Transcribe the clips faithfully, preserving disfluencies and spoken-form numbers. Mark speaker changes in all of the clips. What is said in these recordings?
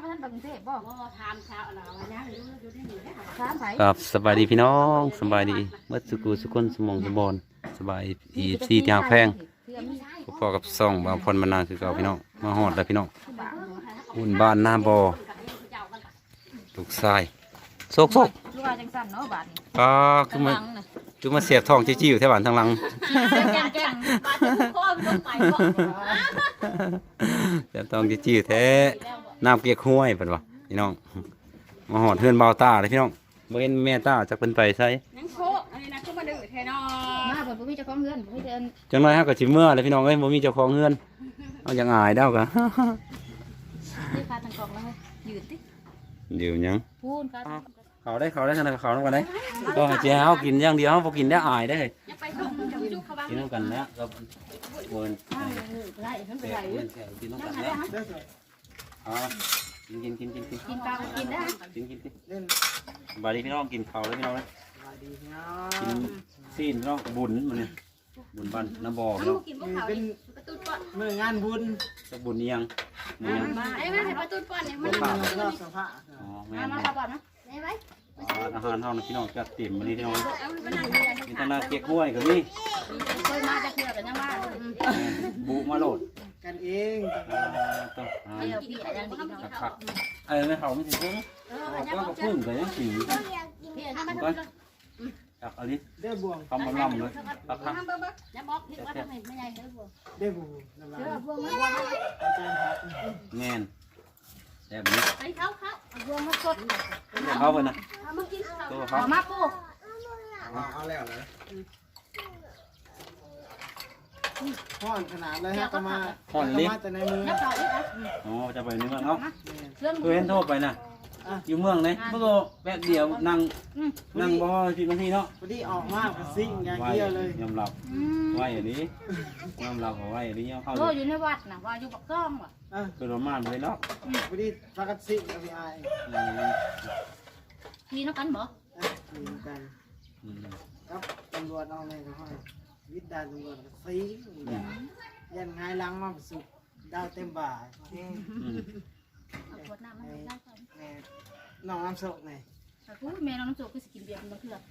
Speaker 1: พระท่านกรุงเทพบ่บ่ถามชาวอะไรวะเนี่ยอยู่อยู่ที่นี่ถามไผ
Speaker 2: ครับสบายดีพี่น้องสบายดีเมื่อสุกุสุคนสมองสมบอนสบายอีซีที่หางแพงพอกับซ่องบางพรมานานคือเก่าพี่น้องมาฮอดแล้วพี่น้องอุ่นบ้านหน้าบ่อลูกทรายโซกโซก
Speaker 1: ลูกว่าจังซั่นเนาะบาดนี้
Speaker 2: ก็คือมาคือมาเสียบทองจี้ๆอยู่แถวบ้านทางหลัง
Speaker 1: แก่งแก่งบาดนี้พ่อมันต้องไปบ่
Speaker 2: เสียบทองจี้ๆอยู่แท้น้ำเกียกห้วยเพิ่นว่าพี่น้องมาฮอดเฮือนเบาตาเลยพี่น้องบ่เห็นแม่ตาจักเพิ่นไปไส
Speaker 1: นังโคอันนี้นะคือมาดื้อแท้เนาะมาเพิ่นบ่มีเจ้าของเฮือนบ่มีเดิน
Speaker 2: จังไรฮะก็สิเมื่อเลยพี่น้องเอ้ยบ่มีเจ้าของเฮือนเอาอย่างอายเด้อกะ
Speaker 1: นี่ค่าทางกองแล้วยืนติ
Speaker 2: เดี๋ยวหยัง
Speaker 1: พูนค่า
Speaker 2: เขาได้เขาได้ขนาดเขาต้องกันได้ก็ให้เจ้ากินอย่างเดียวบ่กินได้อายได้
Speaker 1: อย่าไปส่งจุกเขาบ้าง
Speaker 2: กินน้ำกันแล้วก็เวิน
Speaker 1: ไล่มันไป
Speaker 2: แกะ
Speaker 1: ไล่
Speaker 2: เวินแกะกินน้ำกันแล้วอ๋อกินกินกินกินกิน
Speaker 1: กินปลากินได้
Speaker 2: กินกินกินบาดีพี่น้องกินเขาแล้วพี่น้องนะกินซีนพี่น้องบุญมันนี่บุญบ้านน้ำบ่อพี่น้อง
Speaker 1: กินพวกเขาดิประตูป้อน
Speaker 3: มืองานบุญ
Speaker 2: จะบุญเนียงเนียง
Speaker 1: มาไอ้แม่ให้ประตูป้อนเนี่ยมัน
Speaker 3: รอบสภา
Speaker 2: อ๋อแม่
Speaker 1: มามาป้อนนะได้ไหม
Speaker 2: อาหารเท่านั้นพี่น้องจัดเต็มวันนี้พี่น้อง
Speaker 1: เอาไปนั่งเรียน
Speaker 2: มีตนาเกี๊ยวห้วยกับนี่
Speaker 1: เคยมาจะเคือกันยังว่า
Speaker 2: บุมาโหลด
Speaker 3: กันเอง
Speaker 2: ต้อง
Speaker 1: เดี๋ยวพี่อาจารย์ดีเนาะ
Speaker 2: ผักเออไม่เขาไม่ถึงก็ก็พึ่งแต่ยังสี
Speaker 1: พี่อาจารย์มา
Speaker 2: ก็จับอันนี้
Speaker 3: เด้อบวง
Speaker 2: ทำมันลำเลยผักผัก
Speaker 1: อย่าบอกพี่ว่าทำไมไม่ใหญ่เลยบัว
Speaker 3: เด้อบวงน้ำลาย
Speaker 1: เชื่อบัวมาบัวมา
Speaker 3: อาจารย์ครับ
Speaker 2: แง่นแบบนี้
Speaker 1: ไอ้เขาเขาบัวมาสด
Speaker 2: เข้าไปนะ
Speaker 1: มากิน
Speaker 2: ตัว
Speaker 1: ข้า
Speaker 2: เขา
Speaker 1: วมาปู
Speaker 3: เอาแล้วเลยพ่อนขนาดเลยฮะก็มามาแต่ในมือ
Speaker 1: นับต่ออีกนะ
Speaker 2: อ๋อจะไปในเมืองเขา
Speaker 1: เรื่อง
Speaker 2: เคยเห็นโทษไปนะอยู่เมืองไหนเมื่อแป๊บเดียวนั่งนั่งบ่สิบนาทีเนาะ
Speaker 3: พอดีออกมากซิ่งอย่างเดียวเลย
Speaker 2: ยอมรับไหวอย่างนี้ยอมรับไหวอย่างนี้เข้า
Speaker 1: โตอยู่ในวัดนะว่าอยู่ปักซ่องว่ะ
Speaker 3: อ่ะ
Speaker 2: คือประมาณเลยเนาะ
Speaker 3: พอดีพักซิ่งกับพี่ไอ้
Speaker 1: พี่นักกันบ่
Speaker 3: อยู่กันครับตำรวจเอาไงก็ให้วิทย์ดาตำรวจซิ่งยันไงล้างมาสุกดาวเต็มบ่า
Speaker 1: ขวดน้ำมันได้ก่อน
Speaker 3: น้องน้ำสกไง
Speaker 1: อุ้ยแม่น้องน้ำโจคือสกินเบียร์มันเถื่อน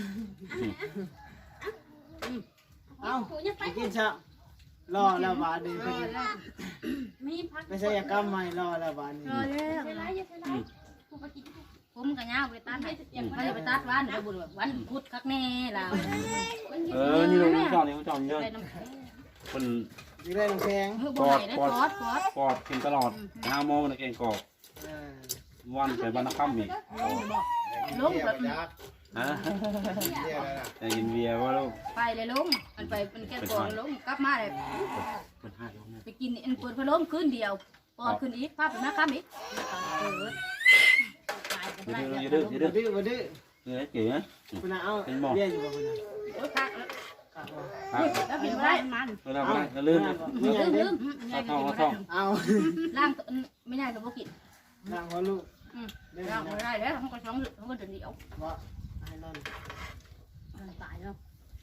Speaker 3: เอ้าไปกินชะรอแล้วบาดี
Speaker 1: มีพัก
Speaker 3: ไม่ใช่ยากรรมใหม่รอแล้วบาดี
Speaker 1: รอแล้วไรยังไงผมกับย่าไปตัดให้ไม่ได้ไปตัดวันไปบุญแบบวันพุธคักแน่เรา
Speaker 2: เออนี่เราจอดนี่เราจอดเยอะคน
Speaker 3: อยู่ได้ลงแพง
Speaker 1: ปอดปอดปอด
Speaker 2: ปอดกินตลอดห้าโมงนะเก่งกอกวันไปบ้านนักข้ามอีก
Speaker 1: ลงแบบ
Speaker 2: ฮะจะกินเบียร์ว่าลูก
Speaker 1: ไปเลยลงมันไปมันแก้ปอดลงกลับมาเลยไปกินอันปวดพะล้มคืนเดียวปอดคืนอีกภาพเป็นนักข้ามอีกเออ
Speaker 2: อย่าดื้ออย่าดื้อ
Speaker 3: ดื้อมาดื้อ
Speaker 2: เออเก๋นะ
Speaker 3: คุณเอาเบี้ยอยู่บ่คุณ
Speaker 1: โอ้ยคักแล้วกินไม่ได้มัน
Speaker 2: เราไม่เราลื่น
Speaker 3: ไม่ใหญ่
Speaker 1: ลื
Speaker 3: เด้
Speaker 1: ม
Speaker 2: เอาท่องเอาท่อง
Speaker 3: เอา
Speaker 1: ล่างไม่ได้กับพวกกิน
Speaker 3: นางพ่อลูก
Speaker 1: ล่างไม่ได้แล้วเขาก็ช้องเขาก็เดินเดียว
Speaker 3: ว่าให้นอน
Speaker 1: ตายแล้ว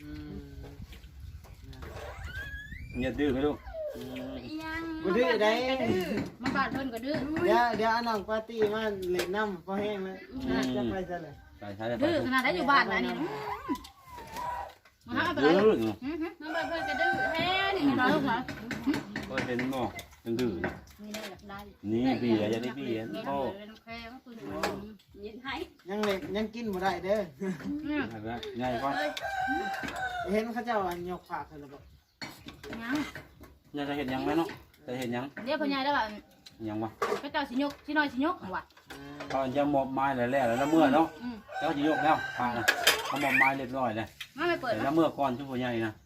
Speaker 2: อย่าดื้อไหมลูก
Speaker 3: บ่ดื้อได้
Speaker 1: มาบ้านเพิ่นก็ดื้อ
Speaker 3: เดี๋ยวเดี๋ยวน้องปาร์ตี้มาเล่นน้ำพอแห้งเลยจะไปซะเลย
Speaker 2: ใช่ใช่
Speaker 1: ดื้อขนาดได้อยู่บ้านนะนี่มาหาไป
Speaker 2: ดื้
Speaker 1: เล
Speaker 2: อย
Speaker 1: มาบ้านเพิ่นก็ดื้อแท้นี่เราลูกเหรอ
Speaker 2: ก็เป็นบ่ยังดื้อ
Speaker 1: นี่ได้ได้
Speaker 2: นี่เบียร์จะได้เบียร์โอ้
Speaker 1: เป็นแค่ก็คือยินให้
Speaker 3: ยังเล็กยังกินบ่ได้เด้อ
Speaker 2: ง่ายกว่า
Speaker 3: เห็นเขาเจ้าอันยกผักเลยบอก
Speaker 1: ยัง
Speaker 2: ยังจะเห็นยังไหมเนาะจะเห็นยัง
Speaker 1: เดี๋ยวพ่อใหญ่แล้วว่า
Speaker 2: ยังวะ
Speaker 1: ก็เจ้าสิยกสิน้อยสิยกว่ะ
Speaker 2: ตอนจะมอบไม้แล้วแล้วเมื่อเนาะเจ้าจะยกแล้วผ่านนะเขามอบไม้เรียบร้อยเลย
Speaker 1: มาไม่เปิด
Speaker 2: แต่แล้วเมื่อก่อนชั่วโมงใหญ่นะ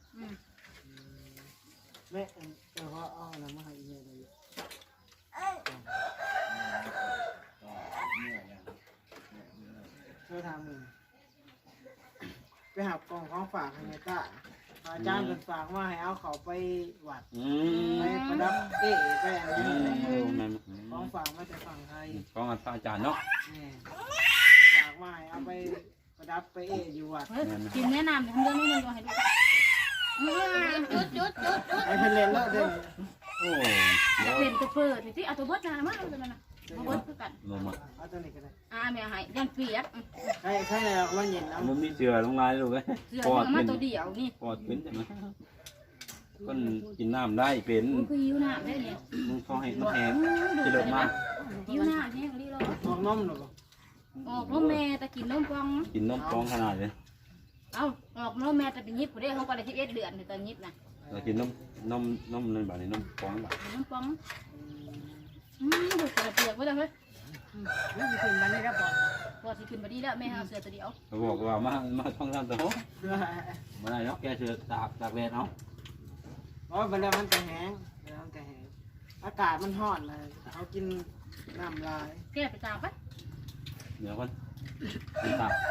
Speaker 3: แม่เจ้าเขาเอาอะไรมาให้เยอะเลยช่วยทำมือไปหากล่องของฝากให้แม่ตาอาจารย์เป็นฝากมาให้เอาเขาไปวัด
Speaker 2: อืม
Speaker 3: ไปประดับเอ๋ไปอะไร
Speaker 2: อืม
Speaker 3: ของฝากมาจากฝั่งไทย
Speaker 2: ของอาจารย์เนาะ
Speaker 3: ฝากมาให้เอาไปประดับไปเอ๋อยู่วัด
Speaker 1: กินแนะนำทำเรื่องนี้ก็ให้ดูจุดจุดจุดจุด
Speaker 3: ไอ้เพิ่นเล่นแล้วเด้อ
Speaker 2: โอ้
Speaker 1: เปลี่ยนตัวเปิดนี่ที่เอาตัวเบิดนามาเลยนะตัวเบิด
Speaker 2: ลงมา
Speaker 3: เอาตัวนี้ก็ได้
Speaker 1: อาแม่ให้ยันเปียก
Speaker 3: ใครใครในเรามันเย็นเอา
Speaker 2: มันมีเสือลงลายลูกเอ้ย
Speaker 1: เสื้อ
Speaker 2: ปอด
Speaker 1: มา
Speaker 2: เป็น
Speaker 1: ตัวเดียวนี่
Speaker 2: ปอดเป็นใช่ไหมคนกินน้ำได้เป็น
Speaker 1: มันคือหิวน้ำได้เนี่ย
Speaker 2: มึงเขาให้มันแห้งกินลงมา
Speaker 1: หิวน้ำแห้งรีรอ
Speaker 3: ออกนมหรือเปล่า
Speaker 1: ออกนมแม่แต่กินนมกอง
Speaker 2: กินนมฟองขนาดเลย
Speaker 1: เอาออกนมแม่แต่เป็นยิบผู้ได้เขาก็ได้สิบเอ็ดเดือนตอนยิบนะ
Speaker 2: เรากินนมนมนมนั่นแบบนี้นมฟองแบบ
Speaker 1: นมกองอืมดูกระเปียกไว้เลยเฮ้ยนี่ขึ้นมาได้แล้วปอดปอดสิขึ้นมาดีแล้วแม่เอาเสื้อตัวเดียว
Speaker 2: เขาบอกว่ามามาท่องท่านตัว
Speaker 3: เพื่อ
Speaker 2: มาได้เนาะแกเสือตากตากแดดเอา
Speaker 3: เพราะเวลามันจะแห้งเวลามันจะแห้งอากาศมันร้อนเลยเขากินน้ำลาย
Speaker 1: แก้ไปตามไป
Speaker 2: เดี๋ยวคนตาก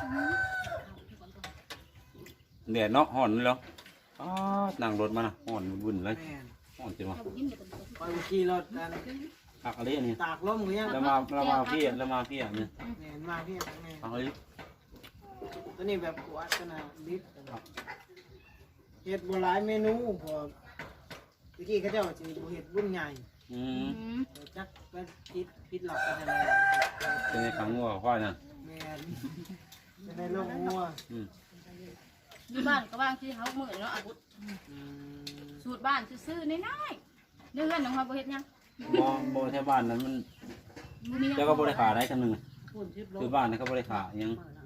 Speaker 2: แดดเนาะห่อนเลยเหรออ๋อนั่งรถมานะห่อนวุ่นเลย
Speaker 3: แม่น
Speaker 2: ห่อนจริงวะ
Speaker 1: ยิ้มเดี๋ยว
Speaker 3: คอยขี่รถนั่น
Speaker 2: หักอะไรอันนี้
Speaker 3: ตากลมก็ยัง
Speaker 2: แล้วมาแล้วมาพี่แล้วมาพี่เนี่ย
Speaker 3: แม่นมาพี่ทั้งแม่
Speaker 2: หักอะไร
Speaker 3: ตัวนี้แบบขวดขนาดลิตรเห็ดโบราณเมนูพอเมื่อกี้เขาเจ้าจะเห็ดรุ่นใหญ่
Speaker 2: อืม
Speaker 3: จักก็คิดคิดหลับกันอะไร
Speaker 2: เป็นในขังงัวควายนะ
Speaker 3: แม่นจะได้ลงงัว
Speaker 2: อืม
Speaker 1: อยู่บ้านก็บ้างที่เขาเหมือนเนาะอาวุธ
Speaker 3: อืม
Speaker 1: สูตรบ้านซื้อๆน้อยๆเนื้อเงินของเขาบ่เฮ็ดยัง
Speaker 2: มองโบแถวบ้านนั้นมันเจ้าก็บริขาได้ทั้งหนึ่งคือบ้านนั้นเขาบริขายัง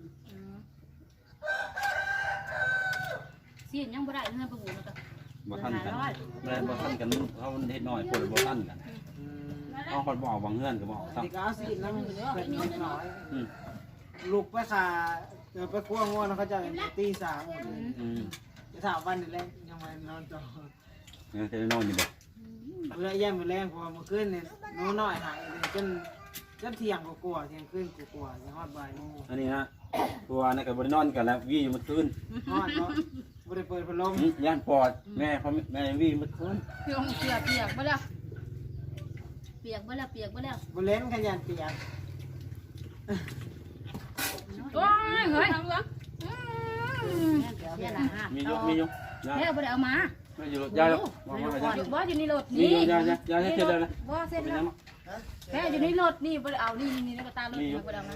Speaker 1: ซีนยังบ่ได้เนื้อปลาหูมันก็
Speaker 2: บ่ทันกันไม่ได้บ่ทันกันเขาเฮ็ดน้อยคนบ่ทันกัน
Speaker 3: อืม
Speaker 2: เอาคนบอกบางเงื่อนก็บอก
Speaker 3: อัน
Speaker 2: ซ้
Speaker 3: นี้ก็เอาสิน้ำเป็นนิดหน่อย
Speaker 2: ำอืม
Speaker 3: ลูกไปขาเกิดไปคั่วงัวแล้วเขาจะตีสามหมดเลย
Speaker 2: อืม
Speaker 3: จะถามวันนี้แรกยังไงนอนต่อ
Speaker 2: ยังจะได้นอนอยู่บ่
Speaker 3: เมื่อแย่มไปแรงพอเมื่อคืนเนี่ยน้องน้อยหายเลยจนจนเที่ยงกลัวๆเที่ยงคืนกลัวๆยังฮอดบ่ายโมง
Speaker 2: อันนี้นะตัวนั่นก็บ่ได้นอนกันแล้ววี่อยู่เมื่อคืน
Speaker 3: ฮอดเนาะบ่ได้เปิดพัดลม
Speaker 2: อืมย่านปอดแม่เขาแม่วี่เมื่อคืน
Speaker 1: เปียกเปียกเปียกบ่แล้วเปียกบ่แล้วเปียกบ่แล้ว
Speaker 3: บ่เล่นขยันเปียก
Speaker 1: โอ้ยเฮ้ย
Speaker 2: มีอยู่มีอยู่ยา
Speaker 1: แม่บ่ได้เอามา
Speaker 2: ไม่อยู่ยาแล้ววางไว้
Speaker 1: บ่
Speaker 2: ยา
Speaker 1: อยู่บ่อยู่ในรถ
Speaker 2: มี
Speaker 1: นี่
Speaker 2: อยู่ยายายาให้เสร็จแล้วนะ
Speaker 1: บ่เสร็จ
Speaker 2: เป็น
Speaker 1: แล้
Speaker 2: ยั
Speaker 1: ว
Speaker 2: ง
Speaker 1: แม่อยู่ในรถนี่บ่ได้เอานี่นี่ในกระตารถบ่ได้เอามา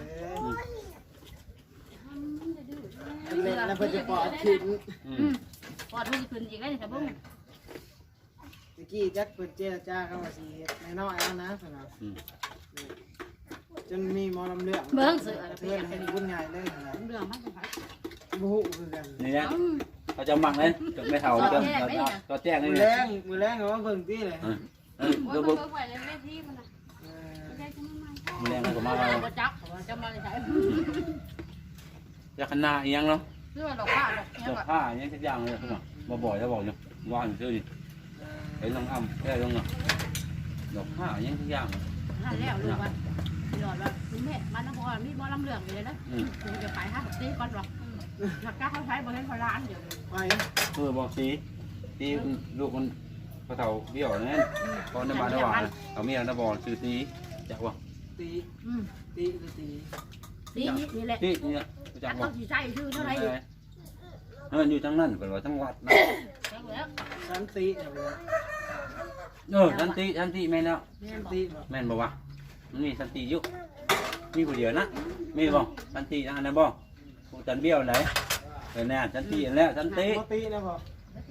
Speaker 3: เล่นแล้วเพิ่นจะปอดขึ้น
Speaker 2: อื
Speaker 1: อื
Speaker 2: ม
Speaker 1: มปอดมันสิขึ้นอีกแล้วนี่ครับเบิ่ง
Speaker 3: ตะกี้จักเพิ่นเจรจาเข้ามาสิเฮ็ดน้อยๆเอานะเพิ่นว่า
Speaker 2: อืม
Speaker 3: จนมีหมอลำเลือก
Speaker 1: เบิ่งเสือ
Speaker 3: เพิ่นให้บุญใหญ่เลยนะ
Speaker 1: เรื่องมันเป็นไผ
Speaker 3: บ่ฮู้คือกัน
Speaker 2: นี่นะเขาจะหมักเลยจนไม่เท่าก็ก็แจ้งให้
Speaker 3: มื้อ
Speaker 2: เล
Speaker 3: แร
Speaker 2: ย
Speaker 3: งมื้อแรงเอามาเบิ่งติเลย
Speaker 2: เออเออเดี๋ยวบุก
Speaker 1: ไว้เลยแม่ที่มันน่ะ
Speaker 3: เออ
Speaker 2: แรงก็มา
Speaker 1: บ่จับจะมาเลยใช้
Speaker 2: จะขนาดยังเนาะ
Speaker 1: เสื้อดอกผ้าดอก
Speaker 2: ดอกผ้ายังทุกอย่างเลยคุณมาบ่อยจะบอกอยู่วางซื้อดิไอ้น้องอ้ำแค่ลงเนาะดอกผ้ายังทุกอย่าง
Speaker 1: นั่นแล้วลูกว่าหยอดว่าคุณแม่มันน้ำพอมีบ่ลำเหลืองอยู่เลยนะ
Speaker 2: อืม
Speaker 1: คือจะขายห้าตีก่อนหรอกหลักการเขาใช้บ่เห็นเขาล้านเดี๋ยว
Speaker 3: ไป
Speaker 2: เออบอกสีตีลูกมันกระเถาเบี้ยวนั่นตอนน้ำมันระหว่างเอาเมียน้ำบอลซื้อตีจักวะ
Speaker 3: ตี
Speaker 1: อืม
Speaker 3: ตีหรือตี
Speaker 1: ตีนี่แหละ
Speaker 2: ตีเนี่ยจั
Speaker 1: จั
Speaker 2: ก
Speaker 1: ก
Speaker 2: วะ
Speaker 1: ต้องสิใช้ชื่อเท่าไหร่
Speaker 2: เอออยู่ทั้งนั้นเป็นว่าทั้งวัดนะ
Speaker 1: แล้ว
Speaker 3: สันติเนี่ยบ่
Speaker 2: เออสันติสันติแม่นแล้ว
Speaker 3: สันติบ่
Speaker 2: แม่นบอกว่ามันมีสันติอยู่มีผู้เดียวนะมีบ่สันติอันนั้นบ่ผู้จันเบี้ยวไหนเป็นแน่สันติแล้วสันติ
Speaker 3: บ่ตีนะพ่อ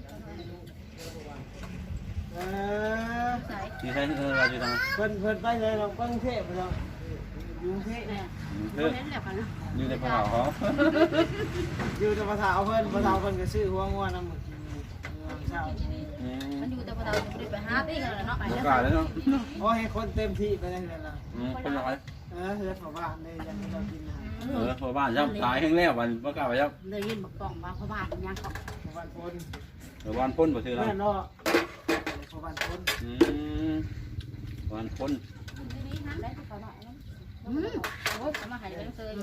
Speaker 3: เออ
Speaker 1: ใส่
Speaker 2: อยู่ใช่เออเราอยู่ทาง
Speaker 3: เพิ่นเพิ่นไปเลยเรากรุงเทพไปแล้วอยู่กรุงเทพ
Speaker 1: แม่
Speaker 2: เอ
Speaker 1: บ่
Speaker 2: อ
Speaker 1: เห็นแล้วกันนะ
Speaker 2: อยู่ในภูเขาเขา
Speaker 3: อยู่แต่ภาษาเพิ่นภาษาเพิ่นก็ซื้อหัวงัวน้ำหมึกกินอยู่เมืองเช้า
Speaker 2: อืม
Speaker 1: มันอยู่แต่พอเราจะไปหาตีกันแล้วเนาะไป
Speaker 2: โอ
Speaker 1: แล้ว
Speaker 2: กาสแล้วเนาะ
Speaker 3: โอ้ให้คนเต็มที่ไปได้เลยล่ะ
Speaker 2: อืมเป็นยังไง
Speaker 3: เออเฮือนของบ้านเลยยังให้เรากินอาหาร
Speaker 2: เออพอบ้านย่ำตายแห้งแล้ววันประกาศว่าย่
Speaker 1: เลยยินบอกกล่องว่าพ่อบ้านยังเขา
Speaker 3: ของบ้านพน
Speaker 2: ำเออวันพ้นบ่ซื้อแล้ว
Speaker 3: แม่นเนาะของบ้านพน
Speaker 2: อืมวันพ้น
Speaker 1: อืมโอ้ยมาหายไปตั้งเซย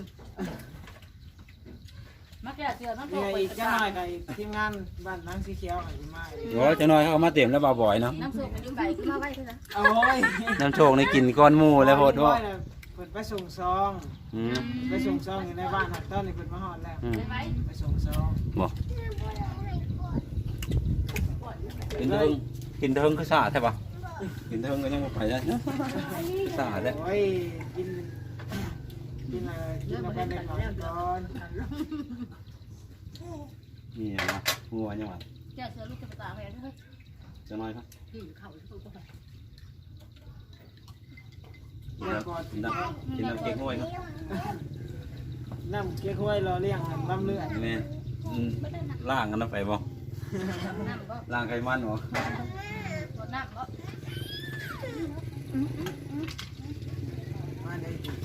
Speaker 1: มาแก่เสือน้ำโต
Speaker 3: นี่
Speaker 1: ไป
Speaker 3: อีกจังหน่อยกับทีมงานบ้านนางสีเขียวอีมา
Speaker 2: โอ้จะน้อยเขามาเต็มแล้วบ่บ่อยเนาะ
Speaker 1: น้ำโตไปยุ่งใบขึ้นมาไว้เท่านั้น
Speaker 3: โอ้ย
Speaker 2: น้ำโชคในกินก้อนหมูแล้วโพดว่า
Speaker 3: เพิ่นไปส่งซอง
Speaker 2: อืม
Speaker 3: ไปส่งซองอยู่ในบ้านหักต้นนี่เพิ่นมาฮอดแล้ว
Speaker 2: อืม
Speaker 1: ไปไว้
Speaker 3: ไปส่งซอง
Speaker 2: บ่กินเทิงกินเทิงคือสะอาดใช่ปะกินเทิงก็ยังบ่ไปได้เนาะสาดแล้ว
Speaker 3: โอ้ยกินกินอะไรกินอะไรได้ก่อน
Speaker 2: นี่เหรองัวยังหวะ
Speaker 1: เจ้าเสือลูกจะไปตากแม่เด้อ
Speaker 2: จะน้อยครับ
Speaker 1: กินข้าวทุกคน
Speaker 2: กินน้ำกินน้ำกินน้ำเก๊กห้วยครับ
Speaker 3: น้ำเก๊กฮวยรอเลี้ยงน้ำเลือด
Speaker 2: นี่อืมล่างกันนะไปบ่
Speaker 1: น้ำบ่
Speaker 2: ล่างไขมันบ่
Speaker 1: ตัวน้ำบ่
Speaker 3: มาได้ดิ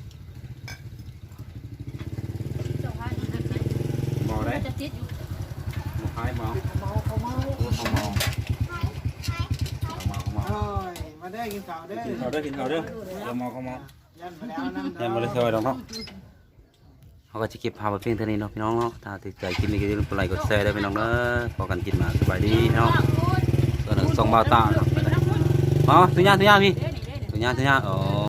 Speaker 1: เจ้าพายจะติด
Speaker 2: บ่ได้
Speaker 1: จะติดอยู่
Speaker 2: บ่คายบ่
Speaker 3: เมาเขาเมา
Speaker 2: โอ้เขาเมาเขาเมาเขาเมา
Speaker 3: โอ้ยมาได้กินข้าวเด้อ
Speaker 2: กินข้าวเด้อกินข้าวเด้อเขาเมาเขาเมา
Speaker 3: ยันไปแล้วน้ำ
Speaker 2: ยังบ่ได้ซอยดอกเนาะเขาก็จะเก็บภาพไว้เพียงเท่านี้เนาะพี่น้องเนาะถ้าติดใจคลิปนี้ก็อย่าลืมกดไลค์กดแชร์ด้วยพี่น้องเด้อพอกันกินมาสบายดีเนาะตัวหนึ่งสองบาทตาเนาะอ๋อตุญญาตุญญาพี่ตุญญาตุญญาอ๋อ